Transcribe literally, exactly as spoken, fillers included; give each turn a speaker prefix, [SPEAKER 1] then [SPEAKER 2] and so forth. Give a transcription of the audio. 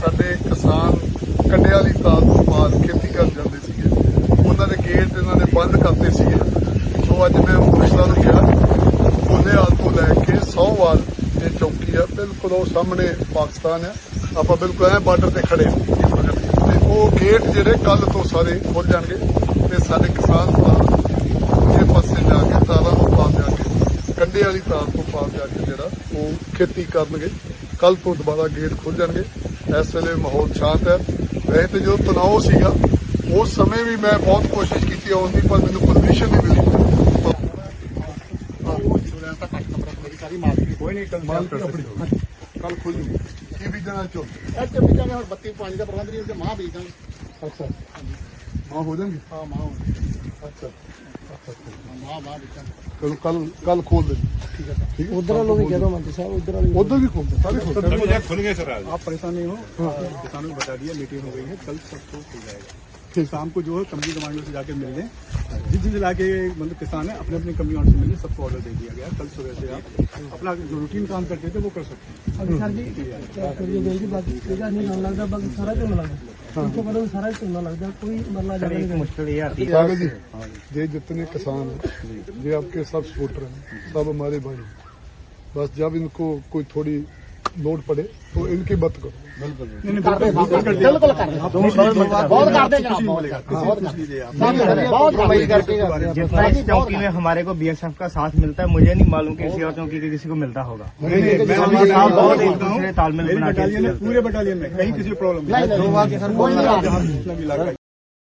[SPEAKER 1] ਸਾਡੇ ਕਿਸਾਨ ਕੰਡੇ ਵਾਲੀ ਤਾਲ ਤੋਂ ਪਾਰ ਖੇਤੀ ਕਰਨ ਜਾਂਦੇ ਸੀਗੇ, ਉਹਨਾਂ ਦੇ ਗੇਟ ਇਹਨਾਂ ਨੇ ਬੰਦ ਕਰਤੇ ਸੀਗੇ। ਸੋ ਅੱਜ ਮੈਂ ਮੁਖਤਾਰ ਨੂੰ ਕਿਹਾ ਬੁਨਿਆਦ ਤੋਂ ਲੈ ਕੇ ਸੌਵਾਲ ਇਹ ਚੌਕੀ ਆ, ਬਿਲਕੁਲ ਉਹ ਸਾਹਮਣੇ ਪਾਕਿਸਤਾਨ ਆ, ਆਪਾਂ ਬਿਲਕੁਲ ਐ ਬਾਰਡਰ ਤੇ ਖੜੇ ਹਾਂ ਤੇ ਉਹ ਗੇਟ ਜਿਹੜੇ ਕੱਲ ਤੋਂ ਸਾਰੇ ਖੁੱਲ ਜਾਣਗੇ ਤੇ ਸਾਡੇ ਕਿਸਾਨ ਭਰਾ ਇਹ ਪਾਸੇ ਜਾ ਕੇ ਤਾਰਾਂ ਤੋਂ ਪਾਰ ਜਾ ਕੇ ਕੰਡੇ ਵਾਲੀ ਤਾਰ ਤੋਂ ਪਾਰ ਜਾ ਕੇ ਜਿਹੜਾ ਉਹ ਖੇਤੀ ਕਰਨਗੇ। ਕੱਲ ਤੋਂ ਦੁਬਾਰਾ ਗੇਟ ਖੁੱਲ ਜਾਣਗੇ। ਇਸ ਵੇਲੇ ਮਾਹੌਲ ਸ਼ਾਂਤ ਹੈ। ਵੈਸੇ ਤੇ ਜਦੋਂ ਤਣਾਅ ਸੀਗਾ ਉਸ ਸਮੇਂ ਵੀ ਮੈਂ ਬਹੁਤ ਕੋਸ਼ਿਸ਼ ਕੀਤੀ ਆਉਣ ਦੀ, ਪਰ ਮੈਨੂੰ ਪਰਮਿਸ਼ਨ ਨਹੀਂ ਮਿਲੀ। ਕੋਈ ਨਹੀਂ ਕੱਲ ਖੁੱਲ ਜੂਗੀ। ਕੀ ਬੀਜਣਾ ਚੋ
[SPEAKER 2] ਇੱਥੇ ਬੀਜਾਂਗੇ ਹੁਣ ਬੱਤੀ ਪਾਣੀ ਦਾ ਪ੍ਰਬੰਧ ਨਹੀਂ, ਮਾਂ ਬੀਜ ਦਾਂਗੇ।
[SPEAKER 1] ਅੱਛਾ ਮਾਂ ਹੋ ਜਾਣਗੇ।
[SPEAKER 2] ਹਾਂ ਮਾਂ
[SPEAKER 1] ਅੱਛਾ
[SPEAKER 2] ਮਾਂ ਮਾਂ ਬੀਜਾਂਗੇ।
[SPEAKER 1] ਚਲੋ ਕੱਲ ਕੱਲ ਖੋਲ ਦੇ। ठीक है ठीक है।
[SPEAKER 3] उधर लोग कह दो मंत्री साहब, उधर
[SPEAKER 1] उधर भी खोल सारे खोल
[SPEAKER 4] खुल गए सर।
[SPEAKER 2] आप परेशान नहीं हो, किसानों को बता दिया मीटिंग हो गई है, कल सबको खुल जाएगा। शाम को जो है कंपनी कमांडो से जाके मिल लें, जिस जिस इलाके मतलब किसान है अपने अपने कंपनी से मिलने सबको ऑर्डर दे दिया गया। कल सुबह से आप अपना जो रूटीन काम करते थे वो कर सकते हैं।
[SPEAKER 3] अभी सर जी करिए गई जी बाकी तेजा नहीं होने लगता, बाकी सारा झोना लगता उनको पता सारा झोना लगता, कोई मरना जाने की मुश्किल ये आती
[SPEAKER 1] है जी। ये जितने किसान हैं ये आपके सब सपोर्टर हैं, सब हमारे भाई। बस जब इनको कोई थोड़ी लोड पड़े तो इनकी बात करो।
[SPEAKER 2] बिल्कुल बिल्कुल कर रहे हैं, बहुत करते हैं बहुत।
[SPEAKER 3] जितना इस चौकी में हमारे को बीएसएफ का साथ मिलता है, मुझे नहीं मालूम किसी और चौकी के किसी को मिलता होगा। बहुत एक दूसरे तालमेल बना के
[SPEAKER 2] पूरे बटालियन में कहीं किसी प्रॉब्लम नहीं।